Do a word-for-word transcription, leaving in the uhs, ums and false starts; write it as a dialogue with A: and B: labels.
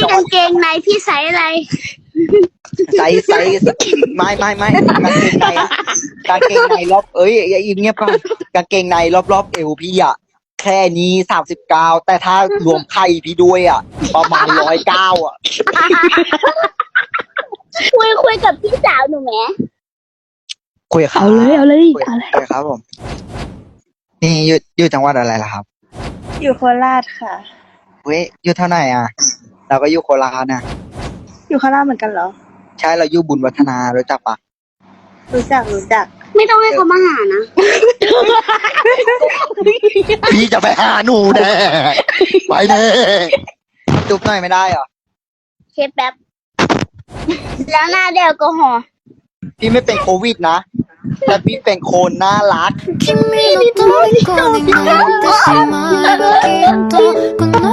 A: กางเกงในพี่ใส่อะไร
B: ใส่ใส่ไม่ไม่ไม่กางเกงในกางเกงในรอบเอ้ยอย่าเงียบก่อนกางเกงในรอบรอบเอวพี่อะแค่นี้สามสิบเก้าแต่ถ้ารวมไข่พี่ด้วยอะประมาณร้อยเก้าอะ
A: คุยคุยกับพี่สาวหนูไหม
B: คุยครับ
C: เอาเลยเอาเลย
B: คุย
C: เอาเลย
B: คุยครับผมนี่อยู่อยู่จังหวัดอะไรล่ะครับ
D: อยู่โคราชค่ะ
B: เว้ยอยู่เท่าไหร่อ่ะเราก็อยู่โคราชนะ
D: อยู่โคราชเหมือนกันเหรอ
B: ใช่เราอยู่บุญวัฒนารู้จักปะ
D: รู้จักรู้จัก
A: ไม่ต้องให้เขามาหานะ
B: พี่จะไปหาหนูแน่ไปแน่จุ๊บหน่อยไม่ได้เหรอ
A: เชฟแป๊บ แล้วหน้าเดลกอฮอล์
B: พี่ไม่เป็นโควิดนะแต่พี่เป็นโคนน่ารัก
E: 君の虜になってしまえばきっとこの